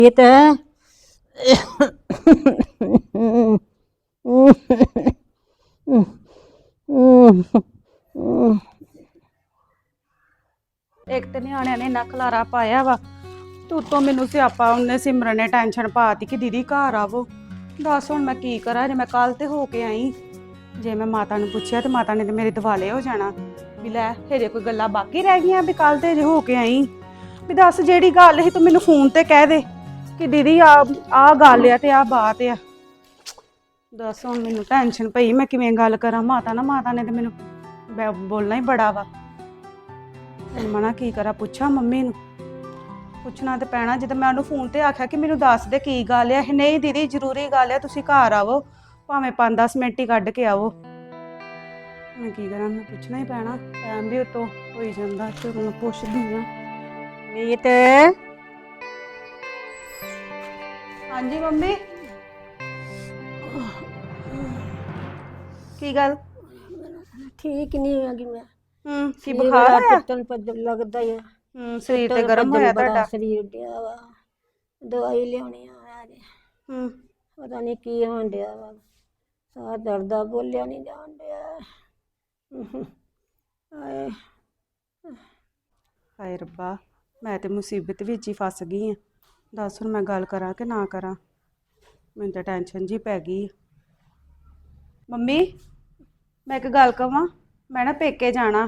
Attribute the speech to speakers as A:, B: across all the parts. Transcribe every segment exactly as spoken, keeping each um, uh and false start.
A: ਇਹ ਤਾਂ
B: ਇੱਕ ਤੇ ਨਿਆਣਿਆਂ ਨੇ ਇੰਨਾ ਖਲਾਰਾ ਪਾਇਆ ਵਾ ਤੇ ਉੱਤੋਂ ਮੈਨੂੰ ਸਿਆਪਾ ਉਹਨੇ ਸਿਮਰਨ ਨੇ ਟੈਨਸ਼ਨ ਪਾਤੀ ਕਿ ਦੀਦੀ ਘਰ ਆਵੋ। ਦੱਸ ਹੁਣ ਮੈਂ ਕੀ ਕਰਾਂ, ਜੇ ਮੈਂ ਕੱਲ ਤੇ ਹੋ ਕੇ ਆਈ, ਜੇ ਮੈਂ ਮਾਤਾ ਨੂੰ ਪੁੱਛਿਆ ਤੇ ਮਾਤਾ ਨੇ ਤੇ ਮੇਰੇ ਦਿਵਾਲੇ ਹੋ ਜਾਣਾ ਵੀ ਲੈ ਹਜੇ ਕੋਈ ਗੱਲਾਂ ਬਾਕੀ ਰਹਿ ਗਈਆਂ ਵੀ ਕੱਲ ਤੇ ਜੇ ਹੋ ਕੇ ਆਈ। ਵੀ ਦੱਸ ਜਿਹੜੀ ਗੱਲ ਸੀ ਤੂੰ ਮੈਨੂੰ ਫੋਨ ਤੇ ਕਹਿ ਦੇ ਕਿ ਦੀਦੀ ਆ ਆ ਗੱਲ ਆ ਤੇ ਆ ਬਾਤ ਆ। ਦੱਸ ਹੁਣ ਮੈਨੂੰ ਟੈਨਸ਼ਨ ਪਈ ਮੈਂ ਕਿਵੇਂ ਗੱਲ ਕਰਾਂ ਮਾਤਾ ਨਾਲ। ਮਾਤਾ ਨੇ ਤੇ ਮੈਨੂੰ ਬੋਲਣਾ ਹੀ ਬੜਾ ਵਾ। ਹੁਣ ਮਨਾ ਕੀ ਕਰਾਂ, ਪੁੱਛਾਂ ਮੰਮੀ ਨੂੰ? ਪੁੱਛਣਾ ਤੇ ਪੈਣਾ। ਜਦੋਂ ਮੈਂ ਉਹਨੂੰ ਫੋਨ ਤੇ ਆਖਿਆ ਕਿ ਮੈਨੂੰ ਦੱਸ ਦੇ ਕੀ ਗੱਲ ਆ, ਨਹੀਂ ਦੀਦੀ ਜ਼ਰੂਰੀ ਗੱਲ ਆ, ਤੁਸੀਂ ਘਰ ਆਵੋ ਭਾਵੇਂ ਪੰਜ ਦਸ ਮਿੰਟ ਹੀ ਕੱਢ ਕੇ ਆਵੋ। ਮੈਂ ਕੀ ਕਰਾਂ, ਮੈਂ ਪੁੱਛਣਾ ਹੀ ਪੈਣਾ। ਟਾਈਮ ਵੀ ਉਤੋਂ ਹੋਈ ਜਾਂਦਾ ਤੇ ਮੈਂ ਪੁੱਛਦੀ ਆ।
A: ਮੀਤ
B: ਹਾਂਜੀ ਮੰਮੀ। ਕੀ ਗੱਲ?
A: ਠੀਕ ਨਹੀਂ ਹੈਗੀ ਮੈਂ।
B: ਹੂੰ ਕੀ ਬੁਖਾਰ ਆਇਆ?
A: ਪਿੱਤਲ ਪੱਧਰ ਲੱਗਦਾ ਹੀ ਆ।
B: ਹੂੰ ਸਰੀਰ ਤੇ ਗਰਮ ਹੋਇਆ ਤੁਹਾਡਾ।
A: ਸਰੀਰ ਡਿਆ ਵਾ, ਦਵਾਈ ਲਿਆਉਣੀ ਆ ਅੱਜ।
B: ਹੂੰ
A: ਪਤਾ ਨਹੀਂ ਕੀ ਹੋਣ ਡਿਆ ਵਾ, ਸਾਹ ਦਰਦਾ, ਬੋਲਿਆ ਨਹੀਂ ਜਾਣ ਡਿਆ। ਹਾਏ
B: ਹਾਏ ਰੱਬਾ, ਮੈਂ ਤੇ ਮੁਸੀਬਤ ਵਿੱਚ ਹੀ ਫਸ ਗਈ ਆ। ਦੱਸ ਹੁਣ ਮੈਂ ਗੱਲ ਕਰਾਂ ਕਿ ਨਾ ਕਰਾਂ? ਮੈਨੂੰ ਤਾਂ ਟੈਨਸ਼ਨ ਜੀ ਪੈ ਗਈ। ਮੰਮੀ ਮੈਂ ਇੱਕ ਗੱਲ ਕਵਾਂ, ਮੈਂ ਨਾ ਪੇਕੇ ਜਾਣਾ।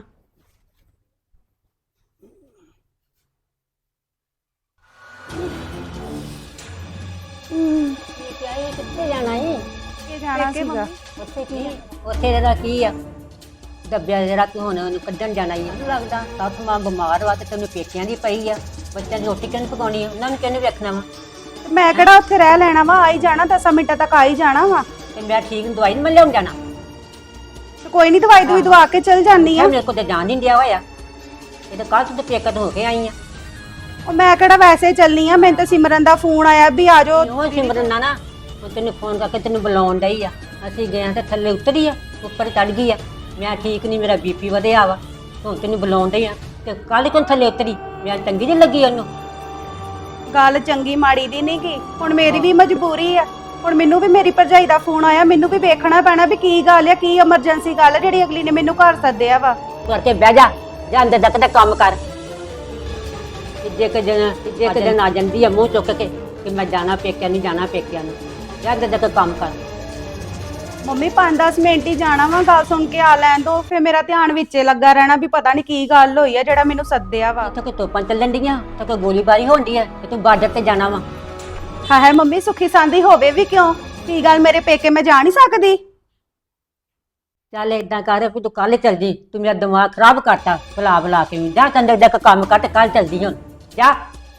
A: ਕਿੱਥੇ ਜਾਣਾ ਏ?
B: ਪੇਕੇ ਜਾਣਾ ਸੀਗਾ।
A: ਉੱਥੇ ਕੀ ਉੱਥੇ ਦਾ ਕੀ ਆ ਦੱਬਿਆ ਜਿਹੜਾ ਕਿ ਹੁਣ ਉਹਨੂੰ ਕੱਢਣ ਜਾਣਾ ਹੀ ਮੈਨੂੰ ਲੱਗਦਾ। ਸੱਸ ਮਾਂ ਬਿਮਾਰ ਵਾ ਤੇ ਤੈਨੂੰ ਪੇਕਿਆਂ ਦੀ ਪਈ ਆ, ਬੱਚਿਆਂ ਦੀ ਰੋਟੀ ਕਿਹਨੂੰ ਪਕਾਉਣੀ ਆ, ਉਹਨਾਂ ਨੂੰ ਕਿਹਨੇ ਵੇਖਣਾ ਵਾ?
B: ਮੈਂ ਕਿਹੜਾ ਉੱਥੇ ਰਹਿ ਲੈਣਾ ਵਾ, ਆ ਹੀ ਜਾਣਾ, ਦਸਾਂ ਮਿੰਟਾਂ ਤੱਕ ਆ ਹੀ ਜਾਣਾ ਵਾ।
A: ਤੇ ਮੈਂ ਠੀਕ ਨੂੰ ਦਵਾਈ ਨਹੀਂ ਮੈਂ ਲਿਆਉਣ ਜਾਣਾ?
B: ਤੇ ਕੋਈ ਨਹੀਂ, ਦਵਾਈ ਦੂਈ ਦਵਾ ਕੇ ਚਲ ਜਾਨੀ ਆ।
A: ਮੇਰੇ ਕੋਲ ਤੇ ਜਾਣ ਨਹੀਂ ਦਿਆ ਹੋਇਆ, ਇਹ ਤਾਂ ਕੱਲ ਤੋਂ ਪੇਕਾ ਹੋ ਕੇ ਆਈ ਆ।
B: ਉਹ ਮੈਂ ਕਿਹੜਾ ਵੈਸੇ ਚੱਲਣੀ ਆ, ਮੈਨੂੰ ਤਾਂ ਸਿਮਰਨ ਦਾ ਫੋਨ ਆਇਆ ਵੀ ਆ ਜਾਓ।
A: ਉਹ ਸਿਮਰਨ ਨਾ ਨਾ ਉਹ ਤੈਨੂੰ ਫੋਨ ਕਰਕੇ ਤੈਨੂੰ ਬੁਲਾਉਣ ਡਈ ਆ। ਅਸੀਂ ਗਏ ਤੇ ਥੱਲੇ ਉਤਰੀ ਆ, ਉੱਪਰ ਚੜ ਗਈ ਆ। ਮੈਂ ਠੀਕ ਨਹੀਂ, ਮੇਰਾ ਬੀਪੀ ਵਧਿਆ ਵਾ, ਹੁਣ ਤੈਨੂੰ ਬੁਲਾਉਣ ਡਈ ਆ ਤੇ ਕੱਲ ਕਿਉਂ ਥੱਲੇ ਉਤਰੀ? ਮੈਂ ਚੰਗੀ ਨਹੀਂ ਲੱਗੀ ਉਹਨੂੰ।
B: ਗੱਲ ਚੰਗੀ ਮਾੜੀ ਦੀ ਨਹੀਂ ਗੀ, ਹੁਣ ਮੇਰੀ ਵੀ ਮਜਬੂਰੀ ਆ। ਹੁਣ ਮੈਨੂੰ ਵੀ ਮੇਰੀ ਭਰਜਾਈ ਦਾ ਫੋਨ ਆਇਆ, ਮੈਨੂੰ ਵੀ ਵੇਖਣਾ ਪੈਣਾ ਵੀ ਕੀ ਗੱਲ ਆ, ਕੀ ਐਮਰਜੈਂਸੀ ਗੱਲ ਆ ਜਿਹੜੀ ਅਗਲੀ ਨੇ ਮੈਨੂੰ ਘਰ ਸੱਦਿਆ ਵਾ।
A: ਕਰਕੇ ਬਹਿ ਜਾ, ਜਾਂ ਅੰਦਰ ਤੱਕ ਦਾ ਕੰਮ ਕਰ। ਜੇ ਕਿ ਜਨ ਜੇ ਕਿ ਜਨ ਆ ਜਾਂਦੀ ਆ ਮੂੰਹ ਚੁੱਕ ਕੇ ਕਿ ਮੈਂ ਜਾਣਾ ਪੇਕਿਆਂ ਨਹੀਂ ਜਾਣਾ ਪੇਕਿਆਂ ਨੂੰ, ਜਾਂ ਅੰਦਰ ਤੱਕ ਕੰਮ ਕਰ।
B: ਮੰਮੀ ਪੰਜ ਦਸ ਮਿੰਟ ਹੀ ਜਾਣਾ ਵਾ, ਗੱਲ ਸੁਣ ਕੇ ਆ ਲੈਣ ਦੋ, ਫਿਰ ਮੇਰਾ ਧਿਆਨ ਵਿੱਚੇ ਲੱਗਾ ਰਹਿਣਾ ਵੀ ਪਤਾ ਨਹੀਂ ਕੀ ਗੱਲ ਹੋਈ ਆ ਜਿਹੜਾ ਮੈਨੂੰ ਸੱਦਿਆ ਵਾ।
A: ਉੱਥੇ ਕੋਈ ਤੋਪਾਂ ਚੱਲਣ ਡੀਆਂ, ਤੇ ਕੋਈ ਗੋਲੀਬਾਰੀ ਹੋਣ ਡਈ ਆ ਤੇ ਤੂੰ ਬਾਰਡਰ ਤੇ ਜਾਣਾ ਵਾ।
B: ਹਾਂ ਹੈ ਮੰਮੀ, ਸੁੱਖੀ ਸਾਂਦੀ ਹੋਵੇ ਵੀ ਕਿਉਂ? ਕੀ ਗੱਲ ਮੇਰੇ ਪੇਕੇ ਮੈਂ ਜਾ ਨਹੀਂ ਸਕਦੀ?
A: ਚੱਲ ਏਦਾਂ ਕਰ ਵੀ ਤੂੰ ਕੱਲ ਚੱਲ ਜੀ, ਤੂੰ ਮੇਰਾ ਦਿਮਾਗ ਖਰਾਬ ਕਰਤਾ ਬੁਲਾ ਬੁਲਾ ਕੇ। ਜਾ ਅੰਦਰ ਜਾ ਕੇ ਕੰਮ ਕਰ ਤੇ ਕੱਲ ਚੱਲਦੀ ਹੁਣ ਜਾ।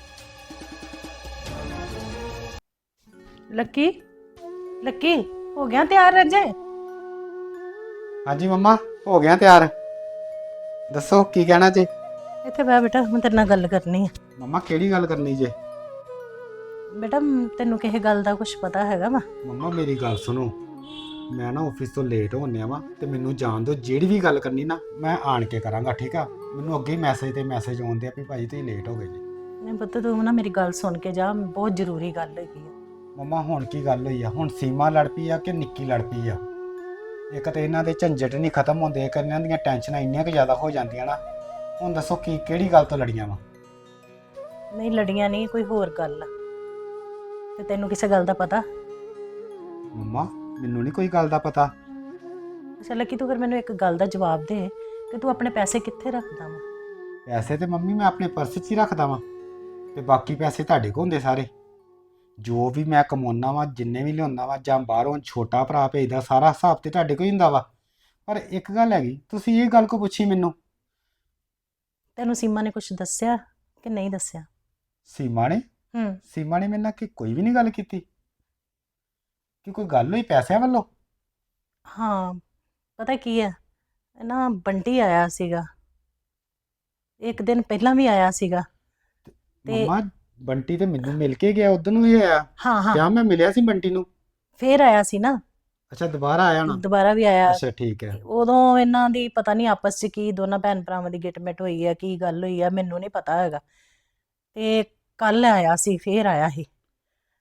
B: ਲੱਕੀ ਲੱਕੀ ਹੋ ਗਿਆ ਤਿਆਰ ਰਜੇ?
C: ਹਾਂਜੀ ਮੰਮਾ ਹੋ ਗਿਆ ਤਿਆਰ। ਦੱਸੋ ਕੀ ਕਹਿਣਾ ਜੇ?
D: ਇੱਥੇ ਬੈ ਬੇਟਾ, ਮੈਂ ਤੇਰੇ ਨਾਲ ਗੱਲ ਕਰਨੀ ਹੈ।
C: ਮੰਮਾ ਕਿਹੜੀ ਗੱਲ ਕਰਨੀ ਜੇ?
D: ਬੇਟਾ ਤੈਨੂੰ ਕਿਸੇ ਗੱਲ ਦਾ ਕੁਝ ਪਤਾ ਹੈਗਾ ਵਾ?
C: ਮੰਮਾ ਮੇਰੀ ਗੱਲ ਸੁਣੋ, ਮੈਂ ਨਾ ਆਫਿਸ ਤੋਂ ਲੇਟ ਹੋਣਿਆ ਵਾ ਤੇ ਮੈਨੂੰ ਜਾਣ ਦਿਓ। ਜਿਹੜੀ ਵੀ ਗੱਲ ਕਰਨੀ ਨਾ ਮੈਂ ਆਣ ਕੇ ਕਰਾਂਗਾ, ਠੀਕ ਆ? ਮੈਨੂੰ ਅੱਗੇ ਹੀ ਮੈਸੇਜ ਤੇ ਮੈਸੇਜ ਆਉਂਦੇ ਆ ਵੀ ਭਾਈ ਤੁਸੀਂ ਲੇਟ ਹੋ ਗਏ ਜੀ।
D: ਨਹੀਂ ਪੁੱਤ, ਤੂੰ ਨਾ ਮੇਰੀ ਗੱਲ ਸੁਣ ਕੇ ਜਾ, ਬਹੁਤ ਜ਼ਰੂਰੀ ਗੱਲ ਹੈਗੀ ਆ।
C: ਮੰਮਾ ਹੁਣ ਕੀ ਗੱਲ ਹੋਈ ਆ? ਹੁਣ ਸੀਮਾ ਲੜ ਪਈ ਆ ਕਿ ਨਿੱਕੀ ਲੜ ਪਈ ਆ? ਇੱਕ ਤਾਂ ਇਹਨਾਂ ਦੇ ਝੰਜਟ ਨਹੀਂ ਖਤਮ ਹੁੰਦੇ, ਇੱਕ ਇਹਨਾਂ ਦੀਆਂ ਟੈਨਸ਼ਨਾਂ ਇੰਨੀਆਂ ਕੁ ਜ਼ਿਆਦਾ ਹੋ ਜਾਂਦੀਆਂ ਨਾ। ਹੁਣ ਦੱਸੋ ਕੀ ਕਿਹੜੀ ਗੱਲ ਤੋਂ ਲੜੀਆਂ ਵਾ?
D: ਨਹੀਂ ਲੜੀਆਂ ਨਹੀਂ, ਕੋਈ ਹੋਰ ਗੱਲ ਆ। ਤੇ ਤੈਨੂੰ ਕਿਸੇ ਗੱਲ ਦਾ ਪਤਾ?
C: ਮੰਮਾ ਮੈਨੂੰ ਨਹੀਂ ਕੋਈ ਗੱਲ ਦਾ ਪਤਾ।
D: ਅੱਛਾ ਲੱਕੀ, ਤੂੰ ਫਿਰ ਮੈਨੂੰ ਇੱਕ ਗੱਲ ਦਾ ਜਵਾਬ ਦੇ ਕਿ ਤੂੰ ਆਪਣੇ ਪੈਸੇ ਕਿੱਥੇ ਰੱਖਦਾ ਵਾ?
C: ਪੈਸੇ ਤੇ ਮੰਮੀ ਮੈਂ ਆਪਣੇ ਪਰਸ 'ਚ ਹੀ ਰੱਖਦਾ ਵਾਂ, ਤੇ ਬਾਕੀ ਪੈਸੇ ਤੁਹਾਡੇ ਕੋਲ ਹੁੰਦੇ ਸਾਰੇ। ਜੋ ਵੀ ਮੈਂ ਕਮਾਉਣਾ ਵਾ, ਜਿੰਨੇ ਵੀ ਲਿਆਉਂਦਾ ਵਾ, ਜਾਂ ਬਾਹਰੋਂ ਛੋਟਾ ਭਰਾ ਭੇਜਦਾ, ਸਾਰਾ ਹਿਸਾਬ ਤੇ ਤੁਹਾਡੇ ਕੋਲ ਹੀ ਹੁੰਦਾ ਵਾ। ਪਰ ਇੱਕ ਗੱਲ ਹੈਗੀ, ਤੁਸੀਂ ਇਹ ਗੱਲ ਕੋ ਪੁੱਛੀ ਮੈਨੂੰ?
D: ਤੈਨੂੰ ਸੀਮਾ ਨੇ ਕੁਝ ਦੱਸਿਆ ਕਿ ਨਹੀਂ ਦੱਸਿਆ?
C: ਸੀਮਾ ਨੇ?
D: ਹੂੰ
C: ਸੀਮਾ ਨੇ ਮੇਰੇ ਨਾਲ ਕਿ ਕੋਈ ਵੀ ਨਹੀਂ ਗੱਲ ਕੀਤੀ ਕਿ ਕੋਈ ਗੱਲ ਹੋਈ ਪੈਸਿਆਂ ਵੱਲੋਂ?
D: ਹਾਂ ਪਤਾ ਕੀ ਹੈ ਨਾ, ਬੰਟੀ ਆਇਆ ਸੀਗਾ ਇੱਕ ਦਿਨ ਪਹਿਲਾਂ ਵੀ ਆਇਆ ਸੀਗਾ। ਤੇ
C: ਮੰਮਾ ਬੰਟੀ ਤੇ ਮੈਨੂੰ ਮਿਲ ਕੇ ਗਿਆ, ਉਦੋਂ ਵੀ ਆਇਆ।
D: ਹਾਂ ਹਾਂ
C: ਕਿਆ ਮੈਂ ਮਿਲਿਆ ਸੀ ਬੰਟੀ ਨੂੰ?
D: ਫੇਰ ਆਇਆ ਸੀ ਨਾ।
C: ਅੱਛਾ ਦੁਬਾਰਾ ਆਇਆ ਨਾ?
D: ਦੁਬਾਰਾ ਵੀ ਆਇਆ।
C: ਅੱਛਾ ਠੀਕ ਹੈ।
D: ਉਦੋਂ ਇਹਨਾਂ ਦੀ ਪਤਾ ਨਹੀਂ ਆਪਸ 'ਚ ਕੀ ਦੋਨਾਂ ਭੈਣ ਭਰਾਵਾਂ ਦੀ ਗਿਟਮਿਟ ਹੋਈ ਆ, ਕੀ ਗੱਲ ਹੋਈ ਆ ਮੈਨੂੰ ਨਹੀਂ ਪਤਾ ਹੈਗਾ। ਤੇ ਕੱਲ ਆਇਆ ਸੀ, ਫੇਰ ਆਇਆ ਸੀ।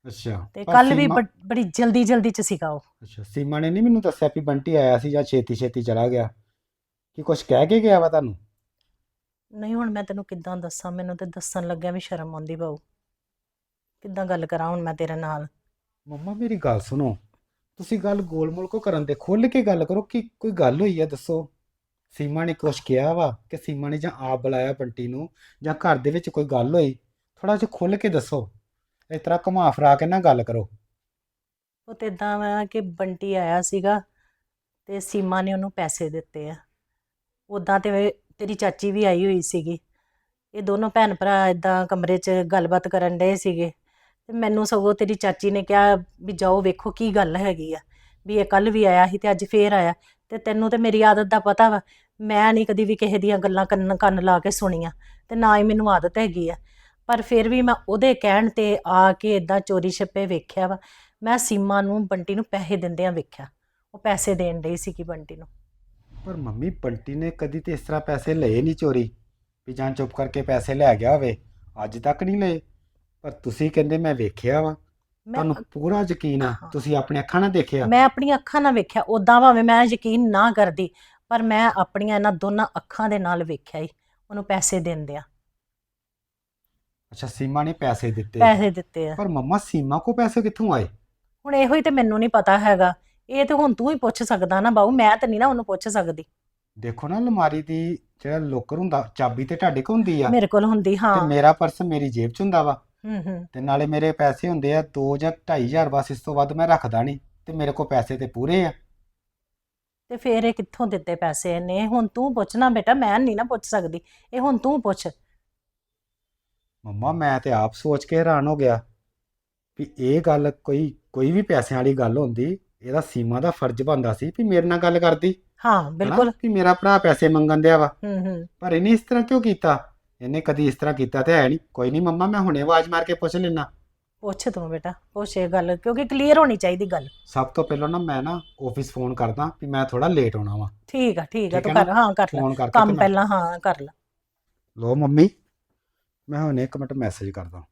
C: ਅੱਛਾ
D: ਤੇ
C: ਪਰ
D: ਕੱਲ ਵੀ
C: ਸੀਮਾ-
D: ਬ- ਬੜੀ ਜਲਦੀ ਜਲਦੀ ਚ ਸੀਗਾ ਉਹ।
C: ਅੱਛਾ ਸੀਮਾ ਨੇ ਨਹੀਂ ਮੈਨੂੰ ਦੱਸਿਆ ਵੀ ਬੰਟੀ ਆਇਆ ਸੀ ਜਾਂ ਛੇਤੀ ਛੇਤੀ ਚਲਾ ਗਿਆ, ਕਿ ਕੁਝ ਕਹਿ ਕੇ ਗਿਆ ਵਾ ਤੁਹਾਨੂੰ?
D: ਨਹੀਂ ਹੁਣ ਮੈਂ ਤੈਨੂੰ ਕਿੱਦਾਂ ਦੱਸਾਂ, ਮੈਨੂੰ ਤੇ ਦੱਸਣ ਲੱਗਿਆ ਵੀ ਸ਼ਰਮ ਆਉਂਦੀ ਬਾਊ। ਕਿੱਦਾਂ ਗੱਲ ਕਰਾਂ ਹੁਣ ਮੈਂ ਤੇਰੇ ਨਾਲ?
C: ਮੰਮਾ ਮੇਰੀ ਗੱਲ ਸੁਣੋ, ਤੁਸੀਂ ਗੱਲ ਗੋਲ-ਮੋਲ ਕੋ ਕਰਨ ਦੇ, ਖੁੱਲ ਕੇ ਗੱਲ ਕਰੋ ਕਿ ਕੋਈ ਗੱਲ ਹੋਈ ਆ, ਦੱਸੋ। ਸੀਮਾ ਨੇ ਕੁਛ ਕਿਹਾ ਵਾ ਕਿ ਸੀਮਾ ਨੇ ਜਾਂ ਆਪ ਬੁਲਾਇਆ ਬੰਟੀ ਨੂੰ, ਜਾਂ ਘਰ ਦੇ ਵਿੱਚ ਕੋਈ ਗੱਲ ਹੋਈ? ਥੋੜਾ ਜਿਹਾ ਖੁੱਲ ਕੇ ਦੱਸੋ, ਇਸ ਤਰ੍ਹਾਂ ਘੁਮਾ ਫਿਰਾ ਕੇ ਨਾ ਗੱਲ ਕਰੋ।
D: ਉਹ ਤੇ ਇਦਾਂ ਵਾ ਕਿ ਬੰਟੀ ਆਇਆ ਸੀਗਾ ਤੇ ਸੀਮਾ ਨੇ ਉਹਨੂੰ ਪੈਸੇ ਦਿੱਤੇ ਆ। ਉਦਾਂ ਤੇ ਤੇਰੀ ਚਾਚੀ ਵੀ ਆਈ ਹੋਈ ਸੀਗੀ। ਇਹ ਦੋਨੋਂ ਭੈਣ ਭਰਾ ਇਦਾਂ ਕਮਰੇ 'ਚ ਗੱਲਬਾਤ ਕਰਨ ਡਏ ਸੀਗੇ ਤੇ ਮੈਨੂੰ ਸਗੋਂ ਤੇਰੀ ਚਾਚੀ ਨੇ ਕਿਹਾ ਵੀ ਜਾਓ ਵੇਖੋ ਕੀ ਗੱਲ ਹੈਗੀ ਆ, ਵੀ ਇਹ ਕੱਲ ਵੀ ਆਇਆ ਸੀ ਤੇ ਅੱਜ ਫੇਰ ਆਇਆ। ਤੇ ਤੈਨੂੰ ਤੇ ਮੇਰੀ ਆਦਤ ਦਾ ਪਤਾ ਵਾ, ਮੈਂ ਨਹੀਂ ਕਦੀ ਵੀ ਕਿਸੇ ਦੀਆਂ ਗੱਲਾਂ ਕੰਨ ਕੰਨ ਲਾ ਕੇ ਸੁਣੀਆਂ ਤੇ ਨਾ ਹੀ ਮੈਨੂੰ ਆਦਤ ਹੈਗੀ ਆ। ਪਰ ਫਿਰ ਵੀ ਮੈਂ ਉਹਦੇ ਕਹਿਣ ਤੇ ਆ ਕੇ ਇਦਾਂ ਚੋਰੀ ਛਿਪੇ ਵੇਖਿਆ ਵਾ। ਮੈਂ ਸੀਮਾ ਨੂੰ ਬੰਟੀ ਨੂੰ ਪੈਸੇ ਦਿੰਦਿਆਂ ਵੇਖਿਆ, ਉਹ ਪੈਸੇ ਦੇਣ ਡਈ ਸੀਗੀ ਬੰਟੀ ਨੂੰ।
C: ਪਰ ਮੰਮੀ ਬੰਟੀ ਨੇ ਕਦੀ ਤੇ ਇਸ ਤਰ੍ਹਾਂ ਪੈਸੇ ਲਏ ਨਹੀਂ ਚੋਰੀ, ਵੀ ਜਾਂ ਚੁੱਪ ਕਰਕੇ ਪੈਸੇ ਲੈ ਗਿਆ ਹੋਵੇ, ਅੱਜ ਤੱਕ ਨਹੀਂ ਲਏ। ਪਰ ਤੁਸੀਂ ਕਹਿੰਦੇ ਮੈਂ ਵੇਖਿਆ ਵਾ,
D: ਮੈਂ
C: ਤੁਹਾਨੂੰ ਪੂਰਾ ਯਕੀਨ ਆ,
D: ਹਾਂ,
C: ਤੁਸੀਂ ਆਪਣੇ ਅੱਖਾਂ ਨਾਲ ਦੇਖਿਆ?
D: ਮੈਂ ਆਪਣੀਆਂ ਅੱਖਾਂ ਨਾਲ ਵੇਖਿਆ। ਉਦਾਂ ਭਾਵੇਂ ਮੈਂ ਯਕੀਨ ਨਾ ਕਰਦੀ, ਪਰ ਮੈਂ ਆਪਣੀਆਂ ਇਹਨਾਂ ਦੋਨਾਂ ਅੱਖਾਂ ਦੇ ਨਾਲ ਵੇਖਿਆ ਹੀ ਉਹਨੂੰ ਪੈਸੇ ਦਿੰਦਿਆਂ।
C: ਅੱਛਾ ਸੀਮਾ ਨੇ ਪੈਸੇ ਦਿੱਤੇ?
D: ਪੈਸੇ ਦਿੱਤੇ ਆ।
C: ਪਰ ਮੰਮਾ ਸੀਮਾ ਕੋ ਪੈਸੇ ਕਿੱਥੋਂ ਆਏ?
D: ਹੁਣ ਇਹੋ ਹੀ ਤੇ ਮੈਨੂੰ ਨਹੀਂ ਪਤਾ ਹੈਗਾ। ਇਹ ਤੇ ਹੁਣ ਤੂੰ ਹੀ ਪੁੱਛ ਸਕਦਾ ਨਾ ਬਾਊ, ਮੈਂ ਤਾਂ ਨਹੀਂ ਨਾ ਉਹਨੂੰ ਪੁੱਛ ਸਕਦੀ।
C: ਦੇਖੋ ਨਾ, ਅਲਮਾਰੀ ਦੀ ਜਿਹੜਾ ਲੋਕਰ ਹੁੰਦਾ, ਚਾਬੀ ਤੇ ਤੁਹਾਡੇ ਕੋਲ ਹੁੰਦੀ ਆ,
D: ਮੇਰੇ ਕੋਲ ਹੁੰਦੀ,
C: ਤੇ
D: ਹਾਂ।
C: ਮੇਰਾ ਪਰਸ ਮੇਰੀ ਜੇਬ 'ਚ ਹੁੰਦਾ ਵਾ,
D: ਹੂੰ ਹੂੰ।
C: ਤੇ ਨਾਲੇ ਮੇਰੇ ਪੈਸੇ ਹੁੰਦੇ ਆ ਦੋ ਜਾਂ ਢਾਈ ਹਜ਼ਾਰ, ਬਸ ਇਸ ਤੋਂ ਵੱਧ ਮੈਂ ਰੱਖਦਾ ਨਹੀਂ, ਤੇ ਮੇਰੇ ਕੋਲ ਪੈਸੇ ਤੇ ਪੂਰੇ ਆ।
D: ਤੇ ਫੇਰ ਇਹ ਕਿੱਥੋਂ ਦਿੱਤੇ ਪੈਸੇ ਇਹਨੇ? ਹੁਣ ਤੂੰ ਪੁੱਛਣਾ ਬੇਟਾ, ਮੈਂ ਨਹੀਂ ਨਾ ਪੁੱਛ ਸਕਦੀ, ਇਹ ਹੁਣ ਤੂੰ ਪੁੱਛ।
C: ਮੰਮਾ ਮੈਂ ਤੇ ਆਪ ਸੋਚ ਕੇ ਹੈਰਾਨ ਹੋ ਗਿਆ ਵੀ ਇਹ ਗੱਲ ਕੋਈ ਕੋਈ ਵੀ ਪੈਸਿਆਂ ਵਾਲੀ ਗੱਲ ਹੁੰਦੀ, ਇਹਦਾ ਸੀਮਾ ਦਾ ਫਰਜ਼ ਬਣਦਾ ਸੀ ਵੀ ਮੇਰੇ ਨਾਲ ਗੱਲ ਕਰਦੀ,
D: ਹਾਂ
C: ਹਨਾ,
D: ਬਿਲਕੁਲ।
C: ਕਿ ਮੇਰਾ ਭਰਾ ਪੈਸੇ ਮੰਗਣ ਦਿਆ ਵਾ।
D: ਹੂੰ ਹੂੰ।
C: ਪਰ ਇਹਨੇ ਇਸ ਤਰ੍ਹਾਂ ਕਿਉਂ ਕੀਤਾ? ਇਹਨੇ ਕਦੀ ਇਸ ਤਰ੍ਹਾਂ ਕੀਤਾ ਤੇ ਹੈ ਨਹੀਂ। ਕੋਈ ਨਹੀਂ ਮੰਮਾ, ਮੈਂ ਹੁਣੇ ਆਵਾਜ਼ ਮਾਰ ਕੇ ਪੁੱਛ ਲੈਣਾ।
D: ਪੁੱਛ ਤੂੰ ਬੇਟਾ, ਪੁੱਛ ਇਹ ਗੱਲ, ਕਿਉਂਕਿ ਕਲੀਅਰ ਹੋਣੀ ਚਾਹੀਦੀ ਗੱਲ।
C: ਸਭ ਤੋਂ ਪਹਿਲਾਂ ਨਾ ਮੈਂ ਨਾ ਆਫਿਸ ਫੋਨ ਕਰਦਾ ਵੀ ਮੈਂ ਥੋੜਾ ਲੇਟ ਆਉਣਾ ਵਾ।
D: ਠੀਕ ਆ ਠੀਕ ਆ,
C: ਠੀਕ
D: ਤੂੰ
C: ਹੈ ਨਾ?
D: ਕਰ, ਹਾਂ ਕਰ ਲੈ
C: ਫੋਨ ਕਰਕੇ ਤੇ
D: ਕੰਮ
C: ਮੈਂ
D: ਪਹਿਲਾਂ, ਹਾਂ ਕਰ ਲੈ।
C: ਲੋ ਮੰਮੀ, ਮੈਂ ਹੁਣੇ ਇੱਕ ਮਿੰਟ ਮੈਸੇਜ ਕਰਦਾ।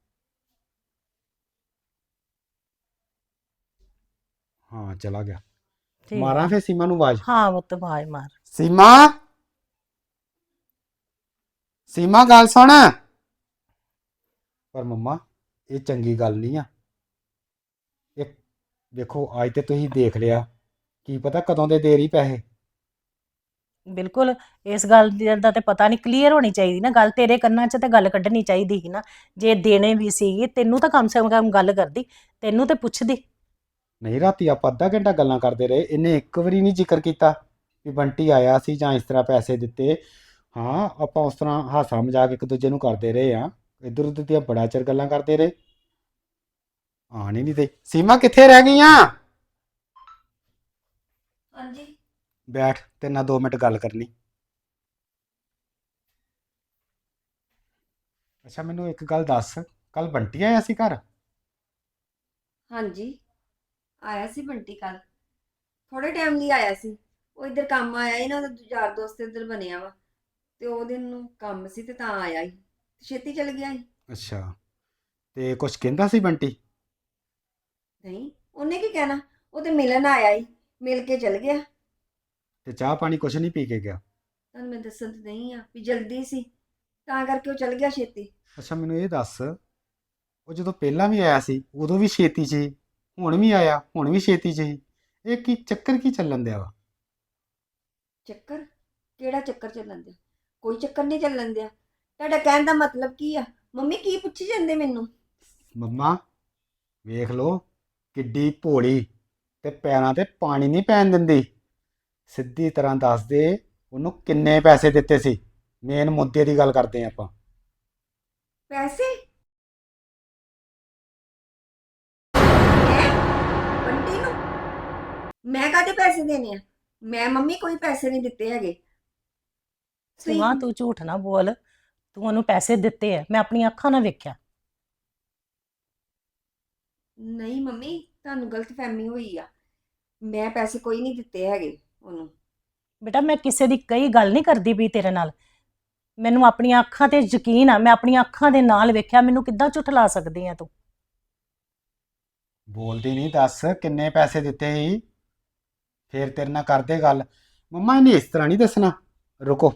C: ਹਾਂ ਚਲਾ ਗਿਆ।
D: ਠੀਕ
C: ਮਾਰਾਂ
D: ਆ।
C: ਫਿਰ ਸੀਮਾ ਨੂੰ ਆਵਾਜ਼?
D: ਹਾਂ ਉਹ ਤਾਂ ਆਵਾਜ਼ ਮਾਰ।
C: ਸੀਮਾ, ਸੀਮਾ ਗੱਲ ਸੁਣ। ਪਰ ਮੰਮਾ ਇਹ ਚੰਗੀ ਗੱਲ ਨਹੀਂ ਆ। ਇਹ ਦੇਖੋ, ਅੱਜ ਤੇ ਤੁਸੀਂ ਦੇਖ ਲਿਆ, ਕੀ ਪਤਾ ਕਦੋਂ ਦੇ ਦੇ ਰਹੀ ਪੈਸੇ।
D: ਬਿਲਕੁਲ, ਇਸ ਗੱਲ ਦੀ- ਦਾ ਤੇ ਪਤਾ ਨਹੀਂ, ਕਲੀਅਰ ਹੋਣੀ ਚਾਹੀਦੀ ਨਾ ਗੱਲ, ਤੇਰੇ ਕੰਨਾਂ 'ਚ ਤੇ ਗੱਲ ਕੱਢਣੀ ਚਾਹੀਦੀ ਸੀ ਨਾ। ਜੇ ਦੇਣੇ ਵੀ ਸੀਗੇ ਤੈਨੂੰ ਤਾਂ ਕਮ ਸੇ ਕਮ ਗੱਲ ਕਰਦੀ, ਤੈਨੂੰ ਤੇ ਪੁੱਛਦੀ।
C: ਨਹੀਂ, ਰਾਤੀ ਆਪਾਂ ਅੱਧਾ ਘੰਟਾ ਗੱਲਾਂ ਕਰਦੇ ਰਹੇ, ਇਹਨੇ ਇੱਕ ਵਾਰੀ ਨਹੀਂ ਜ਼ਿਕਰ ਕੀਤਾ ਵੀ ਬੰਟੀ ਆਇਆ ਸੀ ਜਾਂ ਇਸ ਤਰ੍ਹਾਂ ਪੈਸੇ ਦਿੱਤੇ। ਹਾਂ ਆਪਾਂ ਉਸ ਤਰ੍ਹਾਂ ਹਾਸਾ ਮਜ਼ਾਕ ਇੱਕ ਦੂਜੇ ਨੂੰ ਕਰਦੇ ਰਹੇ ਆ, ਇੱਧਰ ਉੱਧਰ ਦੀਆਂ ਬੜਾ ਚਿਰ ਗੱਲਾਂ ਕਰਦੇ ਰਹੇ। ਆਣ ਹੀ ਨਹੀਂ ਤੇ। ਸੀਮਾ ਕਿੱਥੇ ਰਹਿ ਗਈਆਂ?
E: ਹਾਂਜੀ।
C: ਬੈਠ, ਤੇਰੇ ਨਾਲ ਦੋ ਮਿੰਟ ਗੱਲ ਕਰਨੀ। ਅੱਛਾ ਮੈਨੂੰ ਇੱਕ ਗੱਲ ਦੱਸ, ਕੱਲ ਬੰਟੀ ਆਇਆ ਸੀ ਘਰ?
E: ਹਾਂਜੀ, ਆਇਆ ਸੀ ਬੰਟੀ ਕੱਲ, ਥੋੜੇ ਟਾਈਮ ਲਈ ਆਇਆ ਸੀ। ਉਹ ਇੱਧਰ ਕੰਮ ਆਇਆ ਹੀ ਨਾ, ਉਹਦਾ ਯਾਰ ਦੋਸਤ ਇੱਧਰ ਬਣਿਆ ਵਾ, ਤੇ ਉਹਦੇ ਨੂੰ ਕੰਮ ਸੀ ਤੇ ਤਾਂ ਆਇਆ ਹੀ, ਛੇਤੀ ਚਲ ਗਿਆ ਸੀ।
C: ਅੱਛਾ, ਤੇ ਕੁਝ ਕਹਿੰਦਾ ਸੀ ਬੰਟੀ?
E: ਨਹੀਂ, ਉਹਨੇ ਕੀ ਕਹਿਣਾ, ਉਹ ਤੇ ਮਿਲਣ ਆਇਆ ਹੀ, ਮਿਲ ਕੇ ਚਲ ਗਿਆ।
C: ਤੇ ਚਾਹ ਪਾਣੀ ਕੁਝ ਨਹੀਂ ਪੀ ਕੇ ਗਿਆ?
E: ਤੁਹਾਨੂੰ ਮੈਂ ਦੱਸਣ ਤੇ ਨਹੀਂ ਆ ਵੀ ਜਲਦੀ ਸੀ, ਤਾਂ ਕਰਕੇ ਉਹ ਚਲ ਗਿਆ ਛੇਤੀ।
C: ਅੱਛਾ ਮੈਨੂੰ ਇਹ ਦੱਸ, ਉਹ ਜਦੋਂ ਪਹਿਲਾਂ ਵੀ ਆਇਆ ਸੀ ਉਦੋਂ ਵੀ ਛੇਤੀ 'ਚ ਸੀ, ਹੁਣ ਵੀ ਆਇਆ ਹੁਣ ਵੀ ਛੇਤੀ 'ਚ ਸੀ, ਇਹ ਕੀ ਚੱਕਰ ਕੀ ਚੱਲਣ ਦਿਆ ਵਾ?
E: ਚੱਕਰ? ਕਿਹੜਾ ਚੱਕਰ ਚੱਲਣ ਦਿਆ? ਕੋਈ ਚੱਕਰ ਨਹੀਂ ਚੱਲਣ ਦਿਆ। ਤੁਹਾਡਾ ਕਹਿਣ ਦਾ ਮਤਲਬ ਕੀ ਆ? ਮੰਮੀ ਕੀ ਪੁੱਛੀ ਜਾਂਦੇ ਮੈਨੂੰ?
C: ਮੰਮਾ ਵੇਖ ਲੋ, ਕਿੱਡੀ ਭੋਲੀ, ਤੇ ਪੈਰਾਂ ਤੇ ਪਾਣੀ ਨਹੀਂ ਪੈਣ ਦਿੰਦੀ। ਸਿੱਧੀ ਤਰ੍ਹਾਂ ਦੱਸ ਦੇ ਉਹਨੂੰ ਕਿੰਨੇ ਪੈਸੇ ਦਿੱਤੇ ਸੀ, ਮੇਨ ਮੁੱਦੇ ਦੀ ਗੱਲ ਕਰਦੇ ਆਪਾਂ।
E: ਪੈਸੇ? ਹੈਂ? ਬੰਟੀ ਨੂੰ ਮੈਂ ਕਾਹਦੇ ਪੈਸੇ ਦੇਣੇ ਆ? ਮੈਂ ਮੰਮੀ ਕੋਈ ਪੈਸੇ ਨਹੀਂ ਦਿੱਤੇ ਹੈਗੇ। ਤੁਸੀਂ-
D: ਸੀਮਾ ਤੂੰ ਝੂਠ ਨਾ ਬੋਲ, ਤੂੰ ਉਹਨੂੰ ਪੈਸੇ ਦਿੱਤੇ ਆ, ਮੈਂ ਆਪਣੀਆਂ ਅੱਖਾਂ ਨਾਲ ਵੇਖਿਆ।
E: ਨਹੀਂ ਮੰਮੀ, ਤੁਹਾਨੂੰ ਗਲਤਫਹਿਮੀ ਹੋਈ ਆ, ਮੈਂ ਪੈਸੇ ਕੋਈ ਨਹੀਂ ਦਿੱਤੇ ਹੈਗੇ ਉਹਨੂੰ।
D: ਬੇਟਾ ਮੈਂ ਕਿਸੇ ਦੀ ਕਈ ਗੱਲ ਨਹੀਂ ਕਰਦੀ ਵੀ ਤੇਰੇ ਨਾਲ, ਮੈਨੂੰ ਆਪਣੀਆਂ ਅੱਖਾਂ ਤੇ ਯਕੀਨ ਆ, ਮੈਂ ਆਪਣੀਆਂ ਅੱਖਾਂ ਦੇ ਨਾਲ ਵੇਖਿਆ, ਮੈਨੂੰ ਕਿੱਦਾਂ ਝੁਠਲਾ ਸਕਦੀ ਆ ਤੂੰ?
C: ਬੋਲਦੀ ਨਹੀਂ, ਦੱਸ ਕਿੰਨੇ ਪੈਸੇ ਦਿੱਤੇ ਸੀ, ਫੇਰ ਤੇਰੇ ਨਾਲ ਕਰਦੇ ਗੱਲ। ਮੰਮਾ ਇਹਨੇ ਇਸ ਤਰ੍ਹਾਂ ਨਹੀਂ ਦੱਸਣਾ। ਰੁਕੋ,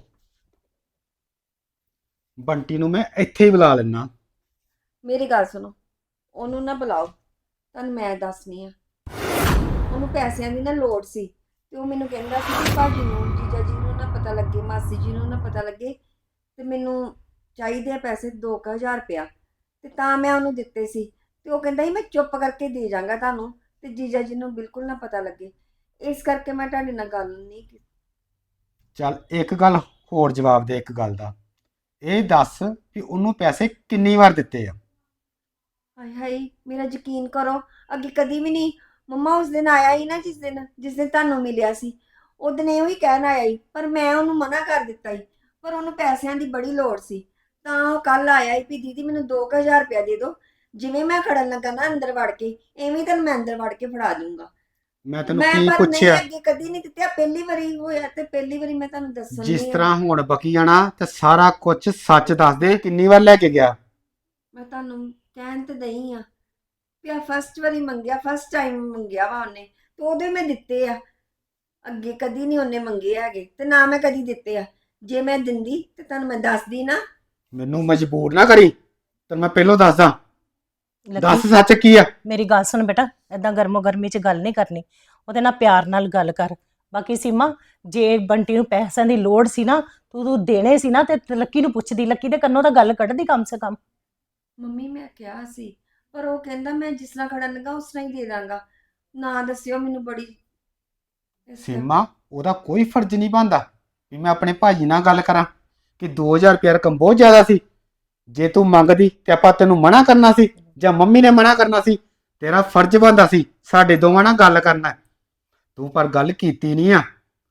C: ਬੰਟੀ ਨੂੰ ਮੈਂ ਇੱਥੇ ਹੀ ਬੁਲਾ ਲੈਣਾ।
E: ਮੇਰੀ ਗੱਲ ਸੁਣੋ, ਉਹਨੂੰ ਨਾ ਬੁਲਾਓ, ਤੁਹਾਨੂੰ ਮੈਂ ਦੱਸਣੀ ਆ। ਉਹਨੂੰ ਪੈਸਿਆਂ ਦੀ ਨਾ ਲੋੜ ਸੀ ਤੇ ਉਹ ਮੈਨੂੰ ਕਹਿੰਦਾ ਸੀ ਕਿ ਭਾਜੀ ਨੂੰ, ਜੀਜਾ ਜੀ ਨੂੰ ਨਾ ਪਤਾ ਲੱਗੇ, ਮਾਸੀ ਜੀ ਨੂੰ ਨਾ ਪਤਾ ਲੱਗੇ, ਤੇ ਮੈਨੂੰ ਚਾਹੀਦੇ ਆ ਪੈਸੇ ਦੋ ਕੁ ਹਜ਼ਾਰ ਰੁਪਇਆ, ਤੇ ਤਾਂ ਮੈਂ ਉਹਨੂੰ ਦਿੱਤੇ ਸੀ। ਤੇ ਉਹ ਕਹਿੰਦਾ ਸੀ ਮੈਂ ਚੁੱਪ ਕਰਕੇ ਦੇ ਜਾਵਾਂਗਾ ਤੁਹਾਨੂੰ, ਤੇ ਜੀਜਾ ਜੀ ਨੂੰ ਬਿਲਕੁਲ ਨਾ ਪਤਾ ਲੱਗੇ। ਇਸ ਕਰਕੇ ਮੈਂ ਤੁਹਾਡੇ ਨਾਲ ਗੱਲ ਨਹੀਂ ਕੀਤੀ।
C: ਚੱਲ ਇੱਕ ਗੱਲ ਹੋਰ ਜਵਾਬ ਦੇ, ਇੱਕ ਗੱਲ ਦਾ ਇਹ ਦੱਸ ਵੀ ਉਹਨੂੰ ਪੈਸੇ ਕਿੰਨੀ ਵਾਰ ਦਿੱਤੇ ਆ।
E: ਹਾਏ ਹਾਏ, ਮੇਰਾ ਯਕੀਨ ਕਰੋ, ਅੱਗੇ ਕਦੀ ਵੀ ਨਹੀਂ। ਮੰਮਾ ਉਸ ਦਿਨ ਆਇਆ ਹੀ ਨਾ, ਜਿਸ ਦਿਨ ਜਿਸ ਦਿਨ ਤੁਹਾਨੂੰ ਮਿਲਿਆ ਸੀ, ਉਹ ਦਿਨ ਇਹੋ ਹੀ ਕਹਿਣ ਆਇਆ ਸੀ, ਪਰ ਮੈਂ ਉਹਨੂੰ ਮਨਾ ਕਰ ਦਿੱਤਾ ਸੀ। ਪਰ ਉਹਨੂੰ ਪੈਸਿਆਂ ਦੀ ਬੜੀ ਲੋੜ ਸੀ, ਤਾਂ ਉਹ ਕੱਲ ਆਇਆ ਸੀ ਵੀ ਦੀਦੀ ਮੈਨੂੰ ਦੋ ਕੁ ਹਜ਼ਾਰ ਰੁਪਇਆ ਦੇ ਦਿਓ, ਜਿਵੇਂ ਮੈਂ ਖੜਨ ਲੱਗਾ ਨਾ ਅੰਦਰ ਵੜ ਕੇ, ਐਵੇਂ ਤੁਹਾਨੂੰ ਮੈਂ ਅੰਦਰ ਵੜ ਕੇ ਫੜਾ ਦੂੰਗਾ।
C: ਮੈਂ ਤੈਨੂੰ
E: ਮੈਂ
C: ਕੀ
E: ਪਰ ਨਹੀਂ,
C: ਪੁੱਛਿਆ?
E: ਅੱਗੇ ਕਦੀ ਨਹੀਂ ਦਿੱਤੇ, ਆਹ ਪਹਿਲੀ ਵਾਰੀ ਹੋਇਆ, ਤੇ ਪਹਿਲੀ ਵਾਰੀ ਮੈਂ ਤੁਹਾਨੂੰ ਦੱਸਣ
C: ਜਿਸ
E: ਦੀ ਆ।
C: ਤਰ੍ਹਾਂ ਹੁਣ ਬਕੀ ਜਾਣਾ ਤੇ ਸਾਰਾ ਕੁਝ ਸੱਚ ਦੱਸ ਦੇ, ਕਿੰਨੀ ਵਾਰ ਲੈ ਕੇ ਗਿਆ?
E: ਮੈਂ ਤੁਹਾਨੂੰ ਕਹਿਣ ਤੇ ਦਈ ਆ ਵੀ ਆ ਫਸਟ ਵਾਰੀ ਮੰਗਿਆ, ਫਸਟ ਟਾਈਮ ਮੰਗਿਆ ਵਾ ਉਹਨੇ, ਤੇ ਉਹਦੇ ਮੈਂ ਦਿੱਤੇ ਆ। ਅੱਗੇ ਕਦੀ ਨਹੀਂ ਉਹਨੇ ਮੰਗੇ ਹੈਗੇ, ਤੇ ਨਾ ਮੈਂ ਕਦੀ ਦਿੱਤੇ ਆ। ਜੇ ਮੈਂ ਦਿੰਦੀ ਤੇ ਤੁਹਾਨੂੰ ਮੈਂ ਦੱਸਦੀ ਨਾ।
C: ਮੈਨੂੰ ਮਜਬੂਰ ਨਾ ਕਰੀ, ਤੇ ਮੈਂ ਪਹਿਲਾਂ ਦੱਸਦਾ। ਦੱਸ
D: ਲੱਕੀ,
C: ਸੱਚ ਕੀ ਆ।
D: ਮੇਰੀ ਗੱਲ ਸੁਣ ਬੇਟਾ, ਏਦਾਂ ਗਰਮੋ ਗਰਮੀ 'ਚ ਗੱਲ ਨਹੀਂ ਕਰਨੀ, ਉਹਦੇ ਨਾਲ ਪਿਆਰ ਨਾਲ ਗੱਲ ਕਰ। ਬਾਕੀ ਸੀਮਾ, ਜੇ ਬੰਟੀ ਨੂੰ ਪੈਸਿਆਂ ਦੀ ਲੋੜ ਸੀ ਨਾ, ਤੂੰ ਤੂੰ ਦੇਣੇ ਸੀ ਨਾ, ਤੇ ਲੱਕੀ ਨੂੰ ਪੁੱਛਦੀ, ਲੱਕੀ ਦੇ ਕੰਨੋਂ ਤਾਂ ਗੱਲ ਕੱਢਦੀ ਕਮ ਸੇ ਕਮ।
E: ਮੰਮੀ ਮੈਂ ਕਿਹਾ ਸੀ, ਪਰ ਉਹ ਕਹਿੰਦਾ ਮੈਂ ਜਿਸ ਤਰ੍ਹਾਂ ਖੜਨ ਲੱਗਾ ਉਸ ਤਰ੍ਹਾਂ ਹੀ ਦੇ ਦਾਂਗਾ, ਨਾ ਦੱਸਿਓ ਮੈਨੂੰ। ਬੜੀ ਇਸ ਕਰਕੇ-
C: ਸੀਮਾ, ਉਹਦਾ ਕੋਈ ਫਰਜ਼ ਨਹੀਂ ਬਣਦਾ ਵੀ ਮੈਂ ਆਪਣੇ ਭਾਜੀ ਨਾਲ ਗੱਲ ਕਰਾਂ ਕਿ ਦੋ ਹਜ਼ਾਰ ਰੁਪਇਆ ਰਕਮ ਬਹੁਤ ਜ਼ਿਆਦਾ ਸੀ। ਜੇ ਤੂੰ ਮੰਗਦੀ ਤੇ ਆਪਾਂ ਤੈਨੂੰ ਮਨਾ ਕਰਨਾ ਸੀ ਜਾਂ ਮੰਮੀ ਨੇ ਮਨਾ ਕਰਨਾ ਸੀ? ਤੇਰਾ ਫਰਜ਼ ਬਣਦਾ ਸੀ ਸਾਡੇ ਦੋਵਾਂ ਨਾਲ ਗੱਲ ਕਰਨਾ। ਤੂੰ ਪਰ ਗੱਲ ਕੀਤੀ ਨਹੀਂ ਆ।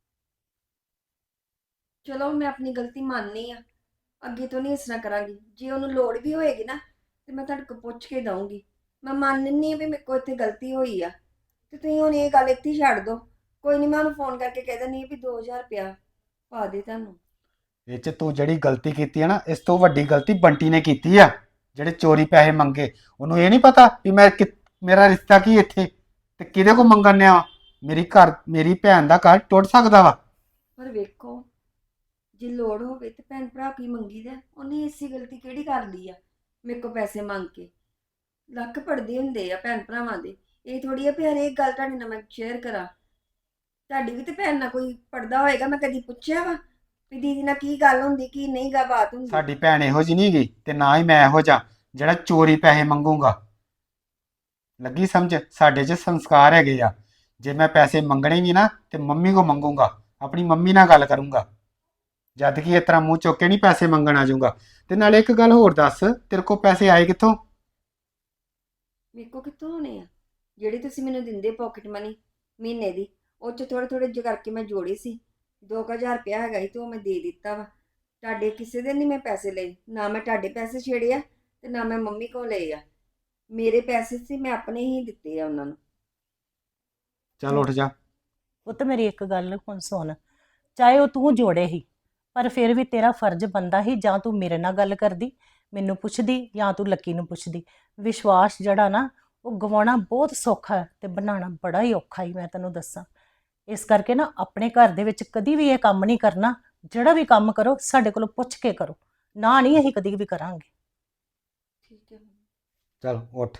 E: ਚਲੋ ਮੈਂ ਆਪਣੀ ਗਲਤੀ ਮੰਨਨੀ ਆ, ਅੱਗੇ ਤੋਂ ਨਹੀਂ ਇਸ ਤਰ੍ਹਾਂ ਕਰਾਂਗੀ। ਜੇ ਉਹਨੂੰ ਲੋੜ ਵੀ ਹੋਏਗੀ ਨਾ, ਤੇ ਮੈਂ ਤੁਹਾਡੇ ਕੋਲ ਪੁੱਛ ਕੇ ਦਊਂਗੀ। ਮੈਂ ਮੰਨਨੀ ਆ ਵੀ ਮੇਰੇ ਕੋਲ ਇੱਥੇ ਗਲਤੀ ਹੋਈ ਆ, ਤੇ ਤੁਸੀਂ ਹੁਣ ਇਹ ਗੱਲ ਇੱਥੇ ਹੀ ਛੱਡ ਦਿਓ। ਕੋਈ ਨਹੀਂ, ਮੈਂ ਉਹਨੂੰ ਫੋਨ ਕਰਕੇ ਕਹਿ ਦਿੰਦੀ ਆ ਵੀ ਦੋ ਹਜ਼ਾਰ ਰੁਪਇਆ ਪਾ ਦੇ ਤੁਹਾਨੂੰ।
C: ਇਹ 'ਚ ਤੂੰ ਜਿਹੜੀ ਗਲਤੀ ਕੀਤੀ ਹੈ ਨਾ, ਇਸ ਤੋਂ ਵੱਡੀ ਗਲਤੀ ਬੰਟੀ ਨੇ ਕੀਤੀ ਆ, ਜਿਹੜੇ ਚੋਰੀ ਪੈਸੇ ਮੰਗੇ। ਉਹਨੂੰ ਇਹ ਨਹੀਂ ਪਤਾ ਵੀ ਮੈਂ ਕਿ ਮੇਰਾ ਰਿਸ਼ਤਾ ਕੀ ਇੱਥੇ ਤੇ ਕਿਹਦੇ ਕੋ ਮੰਗਣ ਆ। ਮੇਰੀ ਘਰ ਮੇਰੀ ਭੈਣ ਦਾ ਘਰ ਟੁੱਟ ਸਕਦਾ ਵਾ।
E: ਪਰ ਵੇਖੋ, ਜੇ ਲੋੜ ਹੋਵੇ ਤੇ ਭੈਣ ਭਰਾ ਕੀ ਮੰਗੀ ਦਾ, ਉਹਨੇ ਇਸੀ ਗਲਤੀ ਕਿਹੜੀ ਕਰ ਲਈ ਆ ਮੇਰੇ ਕੋਲ ਪੈਸੇ ਮੰਗ ਕੇ? ਲੱਖ ਪੜਦੇ ਹੁੰਦੇ ਆ ਭੈਣ ਭਰਾਵਾਂ ਦੇ, ਇਹ ਥੋੜੀ ਆ ਵੀ ਹਰੇਕ ਗੱਲ ਤੁਹਾਡੇ ਨਾਲ ਮੈਂ ਸ਼ੇਅਰ ਕਰਾਂ। ਤੁਹਾਡੀ ਵੀ ਤੇ ਭੈਣ ਨਾਲ ਕੋਈ ਪੜਦਾ ਹੋਏਗਾ, ਮੈਂ ਕਦੀ ਪੁੱਛਿਆ ਵਾ ਵੀ ਦੀਦੀ ਨਾਲ ਕੀ ਗੱਲ ਹੁੰਦੀ, ਕੀ ਨਹੀਂ ਗਾ ਬਾਤ ਹੁੰਦੀ?
C: ਸਾਡੀ ਭੈਣ ਇਹੋ ਜਿਹੀ ਨਹੀਂ ਗਈ ਤੇ ਨਾ ਹੀ ਮੈਂ ਇਹੋ ਜਿਹਾ ਜਿਹੜਾ ਚੋਰੀ ਪੈਸੇ ਮੰਗੂਗਾ। ਲੱਗੀ ਸਮਝ? ਸਾਡੇ 'ਚ ਸੰਸਕਾਰ ਹੈਗੇ ਆ। ਜੇ ਮੈਂ ਪੈਸੇ ਮੰਗਣੇ ਵੀ ਨਾ ਤੇ ਮੰਮੀ ਕੋ ਮੰਗੂਗਾ, ਆਪਣੀ ਮੰਮੀ ਨਾਲ ਗੱਲ ਕਰੂੰਗਾ, ਜਦ ਕਿ ਇਸ ਤਰ੍ਹਾਂ ਮੂੰਹ ਚੁੱਕ ਕੇ ਨਹੀਂ ਪੈਸੇ ਮੰਗਣ ਆ ਜਾਊਗਾ। ਤੇ ਨਾਲੇ ਇੱਕ ਗੱਲ ਹੋਰ ਦੱਸ, ਤੇਰੇ ਕੋ ਪੈਸੇ ਆਏ ਕਿੱਥੋਂ?
E: ਮੇਰੇ ਕੋਲ ਕਿੱਥੋਂ ਹੋਣੇ ਆ? ਜਿਹੜੀ ਤੁਸੀਂ ਮੈਨੂੰ ਦਿੰਦੇ ਪਾਕਟ ਮਨੀ ਮਹੀਨੇ ਦੀ, ਉਹ 'ਚ ਥੋੜੇ ਥੋੜੇ ਜਿਹੇ ਕਰਕੇ ਮੈਂ ਜੋੜੇ ਸੀ। ਦੋ ਕੁ ਹਜ਼ਾਰ ਰੁਪਇਆ ਹੈਗਾ ਸੀ ਤੇ ਉਹ ਮੈਂ ਦੇ ਦਿੱਤਾ ਵਾ। ਤੁਹਾਡੇ ਕਿਸੇ ਦੇ ਨਹੀਂ ਮੈਂ ਪੈਸੇ ਲਏ, ਨਾ ਮੈਂ ਤੁਹਾਡੇ ਪੈਸੇ ਛੇੜੇ ਆ ਤੇ ਨਾ ਮੈਂ ਮੰਮੀ ਕੋਲ ਲਏ ਆ। ਮੇਰੇ ਪੈਸੇ ਸੀ, ਮੈਂ ਆਪਣੇ ਹੀ ਦਿੱਤੇ ਆ ਉਹਨਾਂ ਨੂੰ।
C: ਚੱਲ ਉੱਠ ਜਾ।
D: ਉਹ ਤਾਂ ਮੇਰੀ ਇੱਕ ਗੱਲ ਹੁਣ ਸੁਣ, ਚਾਹੇ ਉਹ ਤੂੰ ਜੋੜੇ ਹੀ, ਪਰ ਫਿਰ ਵੀ ਤੇਰਾ ਫਰਜ਼ ਬਣਦਾ ਹੀ, ਜਾਂ ਤੂੰ ਮੇਰੇ ਨਾਲ ਗੱਲ ਕਰਦੀ, ਮੈਨੂੰ ਪੁੱਛਦੀ, ਜਾਂ ਤੂੰ ਲੱਕੀ ਨੂੰ ਪੁੱਛਦੀ। ਵਿਸ਼ਵਾਸ ਜਿਹੜਾ ਨਾ, ਉਹ ਗਵਾਉਣਾ ਬਹੁਤ ਸੌਖਾ ਹੈ ਤੇ ਬਣਾਉਣਾ ਬੜਾ ਹੀ ਔਖਾ ਹੀ, ਮੈਂ ਤੈਨੂੰ ਦੱਸਾਂ। ਇਸ ਕਰਕੇ ਨਾ ਆਪਣੇ ਘਰ ਦੇ ਵਿੱਚ ਕਦੀ ਵੀ ਇਹ ਕੰਮ ਨਹੀਂ ਕਰਨਾ। ਜਿਹੜਾ ਵੀ ਕੰਮ ਕਰੋ ਸਾਡੇ ਕੋਲੋਂ ਪੁੱਛ ਕੇ ਕਰੋ, ਨਾ ਨਹੀਂ ਅਸੀਂ ਕਦੀ ਵੀ ਕਰਾਂਗੇ।
E: ਠੀਕ ਹੈ ਮੰਮੀ।
C: ਚੱਲ ਉੱਠ।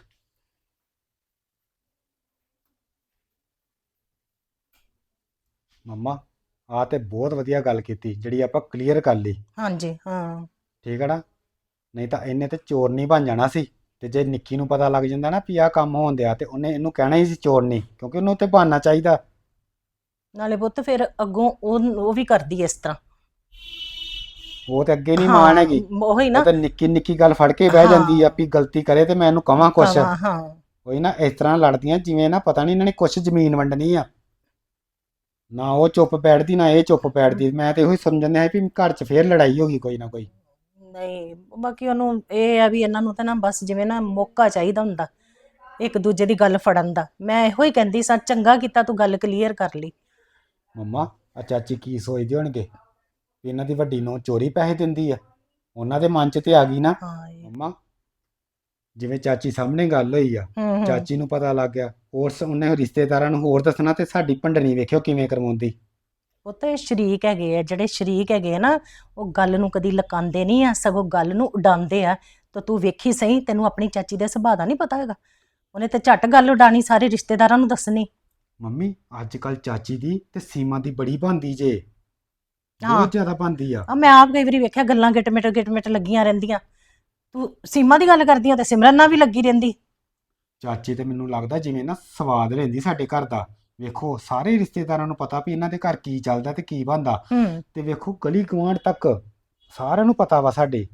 C: ਮੰਮਾ, ਆ ਤੇ ਬਹੁਤ ਵਧੀਆ ਗੱਲ ਕੀਤੀ ਜਿਹੜੀ ਆਪਾਂ ਕਲੀਅਰ ਕਰ ਲਈ।
D: ਹਾਂਜੀ, ਹਾਂ,
C: ਠੀਕ ਹੈ ਨਾ? ਨਹੀਂ ਤਾਂ ਇਹਨੇ ਤੇ ਚੋਰ ਨਹੀਂ ਬਣ ਜਾਣਾ ਸੀ। ਤੇ ਜੇ ਨਿੱਕੀ ਨੂੰ ਪਤਾ ਲੱਗ ਜਾਂਦਾ ਨਾ ਵੀ ਆਹ ਕੰਮ ਹੋਣ ਦਿਆ, ਤੇ ਉਹਨੇ ਇਹਨੂੰ ਕਹਿਣਾ ਹੀ ਸੀ ਚੋਰ ਨਹੀਂ, ਕਿਉਂਕਿ ਉਹਨੂੰ ਤੇ ਬਹਾਨਾ ਚਾਹੀਦਾ।
D: ਨਾਲੇ ਪੁੱਤ ਫਿਰ ਅੱਗੋਂ ਉਹ ਉਹ ਵੀ ਕਰਦੀ ਇਸ ਤਰ੍ਹਾਂ।
C: ਉਹ ਤੇ ਅੱਗੇ ਨਹੀਂ ਮਾਣ ਹੈਗੀ।
D: ਉਹੀ ਨਾ,
C: ਉਹ ਤਾਂ ਨਿੱਕੀ ਨਿੱਕੀ ਗੱਲ ਫੜ ਕੇ ਬਹਿ ਜਾਂਦੀ ਆ ਵੀ ਗਲਤੀ ਕਰੇ ਤੇ ਮੈਂ ਇਹਨੂੰ ਕਵਾਂ ਕੁਛ।
D: ਹਾਂ ਹਾਂ,
C: ਉਹੀ ਨਾ, ਇਸ ਤਰ੍ਹਾਂ ਲੜਦੀਆਂ ਜਿਵੇਂ ਨਾ ਪਤਾ ਨਹੀਂ ਇਹਨਾਂ ਨੇ ਕੁਛ ਜ਼ਮੀਨ ਵੰਡਣੀ ਆ। ਨਾ ਉਹ ਚੁੱਪ ਬੈਠਦੀ ਨਾ ਇਹ ਚੁੱਪ ਬੈਠਦੀ। ਮੈਂ ਤੇ ਉਹੀ ਸਮਝਣ ਡਿਆ ਵੀ ਘਰ 'ਚ ਫੇਰ ਲੜਾਈ ਹੋ ਗਈ ਕੋਈ ਨਾ ਕੋਈ।
D: ਨਹੀਂ ਬਾਕੀ ਉਹਨੂੰ ਇਹ ਆ ਵੀ ਇਹਨਾਂ ਨੂੰ ਤਾਂ ਨਾ ਬਸ ਜਿਵੇਂ ਨਾ ਮੌਕਾ ਚਾਹੀਦਾ ਹੁੰਦਾ ਇੱਕ ਦੂਜੇ ਦੀ ਗੱਲ ਫੜਨ ਦਾ। ਮੈਂ ਇਹੋ ਹੀ ਕਹਿੰਦੀ ਸਾਂ, ਚੰਗਾ ਕੀਤਾ ਤੂੰ ਗੱਲ ਕਲੀਅਰ ਕਰ ਲਈ।
C: ਮੰਮਾ, ਆ ਚਾਚੀ ਕੀ ਸੋਚਦੇ ਹੋਣਗੇ ਵੀ ਇਹਨਾਂ ਦੀ ਵੱਡੀ ਨੂੰ ਚੋਰੀ ਪੈਸੇ ਦਿੰਦੀ ਆ? ਉਹਨਾਂ ਦੇ ਮਨ 'ਚ ਤੇ ਆ ਗਈ ਨਾ।
D: ਹਾਂ ਇਹ-
C: ਮੰਮਾ, ਜਿਵੇਂ ਚਾਚੀ ਸਾਹਮਣੇ ਗੱਲ ਹੋਈ ਆ,
D: ਹੂੰ ਹੂੰ
C: ਚਾਚੀ ਨੂੰ ਪਤਾ ਲੱਗ ਗਿਆ, ਹੋਰ ਸ- ਉਹਨੇ ਰਿਸ਼ਤੇਦਾਰਾਂ ਨੂੰ ਹੋਰ ਦੱਸਣਾ, ਤੇ ਸਾਡੀ ਭੰਡਣੀ ਵੇਖਿਓ ਕਿਵੇਂ ਕਰਵਾਉਂਦੀ।
D: ਉਹ ਤੇ ਸ਼ਰੀਕ ਹੈਗੇ ਆ, ਜਿਹੜੇ ਸ਼ਰੀਕ ਹੈਗੇ ਆ ਨਾ, ਉਹ ਗੱਲ ਨੂੰ ਕਦੀ ਲਕਾਉਂਦੇ ਨਹੀਂ ਆ, ਸਗੋਂ ਗੱਲ ਨੂੰ ਉਡਾਉਂਦੇ ਆ। ਤਾਂ ਤੂੰ ਵੇਖੀ ਸਹੀ, ਤੈਨੂੰ ਆਪਣੀ ਚਾਚੀ ਦੇ ਸੁਭਾਅ ਦਾ ਨਹੀਂ ਪਤਾ ਹੈਗਾ। ਉਹਨੇ ਤੇ ਝੱਟ ਗੱਲ ਉਡਾਣੀ, ਸਾਰੇ ਰਿਸ਼ਤੇਦਾਰਾਂ ਨੂੰ ਦੱਸਣੀ।
C: ਮੰਮੀ ਅੱਜ ਕੱਲ ਚਾਚੀ ਦੀ ਤੇ ਸੀਮਾ ਦੀ ਬੜੀ ਬਣਦੀ ਜੇ,
D: ਹਾਂ।
C: ਬਹੁਤ ਜ਼ਿਆਦਾ ਬਣਦੀ ਆ।
D: ਆ ਮੈਂ ਆਪ ਕਈ ਵਾਰੀ ਵੇਖਿਆ, ਗੱਲਾਂ ਗਿਟਮਿਟ ਗਿਟਮਿਟ ਲੱਗੀਆਂ ਰਹਿੰਦੀਆਂ। ਤੂੰ ਸੀਮਾ ਦੀ ਗੱਲ ਕਰਦੀ ਆ ਤੇ ਸਿਮਰਨ ਨਾਲ ਵੀ ਲੱਗੀ ਰਹਿੰਦੀ।
C: ਚਾਚੀ ਤੇ ਮੈਨੂੰ ਲੱਗਦਾ ਜਿਵੇਂ ਨਾ ਸਵਾਦ ਲੈਂਦੀ ਸਾਡੇ ਘਰ ਦਾ। ਵੇਖੋ ਸਾਰੇ ਰਿਸ਼ਤੇਦਾਰਾਂ ਨੂੰ ਪਤਾ ਵੀ ਇਹਨਾਂ ਦੇ ਘਰ ਕੀ ਚੱਲਦਾ ਤੇ ਕੀ ਬਣਦਾ,
D: ਹੂੰ
C: ਤੇ ਵੇਖੋ ਗਲੀ ਗੁਆਂਢ ਤੱਕ ਸਾਰਿਆਂ ਨੂੰ ਪਤਾ ਵਾ ਸਾਡੇ।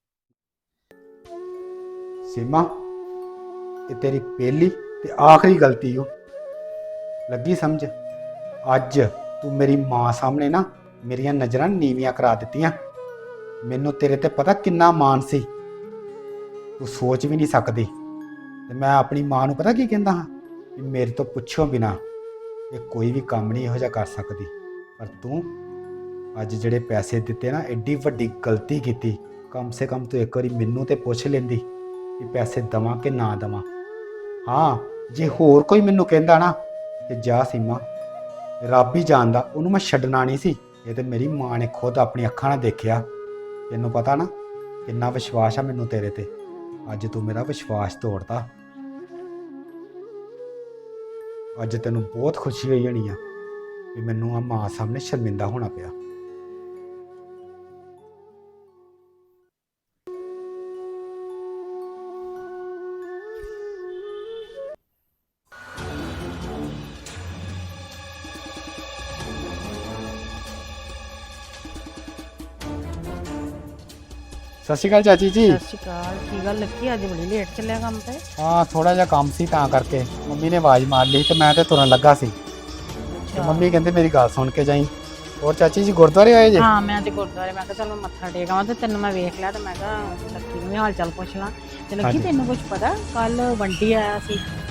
C: ਸੀਮਾ, ਇਹ ਤੇਰੀ ਪਹਿਲੀ ਤੇ ਆਖਰੀ ਗਲਤੀ ਓ, ਲੱਗੀ ਸਮਝ? ਅੱਜ ਤੂੰ ਮੇਰੀ ਮਾਂ ਸਾਹਮਣੇ ਨਾ ਮੇਰੀਆਂ ਨਜ਼ਰਾਂ ਨੀਵੀਆਂ ਕਰਾ ਦਿੱਤੀਆਂ। ਮੈਨੂੰ ਤੇਰੇ ਤੇ ਪਤਾ ਕਿੰਨਾ ਮਾਣ ਸੀ, ਤੂੰ ਸੋਚ ਵੀ ਨਹੀਂ ਸਕਦੀ। ਤੇ ਮੈਂ ਆਪਣੀ ਮਾਂ ਨੂੰ ਪਤਾ ਕੀ ਕਹਿੰਦਾ ਹਾਂ, ਵੀ ਮੇਰੇ ਤੋਂ ਪੁੱਛੋ ਬਿਨਾ ਇਹ ਕੋਈ ਵੀ ਕੰਮ ਨਹੀਂ ਇਹੋ ਜਿਹਾ ਕਰ ਸਕਦੀ। ਪਰ ਤੂੰ ਅੱਜ ਜਿਹੜੇ ਪੈਸੇ ਦਿੱਤੇ ਨਾ, ਐਡੀ ਵੱਡੀ ਗਲਤੀ ਕੀਤੀ। ਕਮ ਸੇ ਕਮ ਤੂੰ ਇੱਕ ਵਾਰੀ ਮੈਨੂੰ ਤੇ ਪੁੱਛ ਲੈਂਦੀ ਕਿ ਪੈਸੇ ਦਵਾਂ ਕਿ ਨਾ ਦਵਾਂ। ਹਾਂ, ਜੇ ਹੋਰ ਕੋਈ ਮੈਨੂੰ ਕਹਿੰਦਾ ਨਾ ਕਿ ਜਾ ਸੀਮਾ, ਰੱਬ ਹੀ ਜਾਣਦਾ, ਉਹਨੂੰ ਮੈਂ ਛੱਡਣਾ ਨਹੀਂ ਸੀ। ਇਹ ਤੇ ਮੇਰੀ ਮਾਂ ਨੇ ਖੁਦ ਆਪਣੀ ਅੱਖਾਂ ਨਾਲ ਦੇਖਿਆ। ਤੈਨੂੰ ਪਤਾ ਨਾ ਕਿੰਨਾ ਵਿਸ਼ਵਾਸ ਆ ਮੈਨੂੰ ਤੇਰੇ ਤੇ, ਅੱਜ ਤੂੰ ਮੇਰਾ ਵਿਸ਼ਵਾਸ ਤੋੜਤਾ। ਅੱਜ ਤੈਨੂੰ ਬਹੁਤ ਖੁਸ਼ੀ ਹੋਈ ਹੋਣੀ ਆ ਵੀ ਮੈਨੂੰ ਆ ਮਾਂ ਸਾਹਮਣੇ ਸ਼ਰਮਿੰਦਾ ਹੋਣਾ ਪਿਆ। ਸਤਿ ਸ਼੍ਰੀ ਅਕਾਲ ਚਾਚੀ ਜੀ।
B: ਸਤਿ ਸ਼੍ਰੀ ਅਕਾਲ। ਕੀ ਗੱਲ ਲੱਗੀ, ਅੱਜ ਬੜੀ ਲੇਟ ਚੱਲਿਆ ਕੰਮ ਤੇ?
C: ਹਾਂ, ਥੋੜਾ ਜਿਹਾ ਕੰਮ ਸੀ ਤਾਂ ਕਰਕੇ। ਮੰਮੀ ਨੇ ਆਵਾਜ਼ ਮਾਰ ਲਈ ਤੇ ਮੈਂ ਤੇ ਤੁਰਨ ਲੱਗਾ ਸੀ, ਤੇ ਮੰਮੀ ਕਹਿੰਦੇ ਮੇਰੀ ਗੱਲ ਸੁਣ ਕੇ ਜਾਈਂ। ਹੋਰ ਚਾਚੀ ਜੀ ਗੁਰਦੁਆਰੇ ਆਏ ਜੇ?
B: ਹਾਂ, ਮੈਂ ਤੇ ਗੁਰਦੁਆਰੇ, ਮੈਂ ਕਿਹਾ ਚਲ ਮੈਂ ਮੱਥਾ ਟੇਕ ਆਵਾਂ, ਤੇ ਤੈਨੂੰ ਮੈਂ ਵੇਖ ਲਿਆ ਤੇ ਮੈਂ ਕਿਹਾ ਲੱਕੀ ਨੂੰ ਵੀ ਹਾਲ ਚਾਲ ਪੁੱਛ ਲਾਂ। ਤੇ ਲੱਕੀ,
C: ਹਾਂਜੀ।
B: ਤੈਨੂੰ ਕੁਝ ਪਤਾ, ਕੱਲ ਵੰਡੀ ਆਇਆ ਸੀ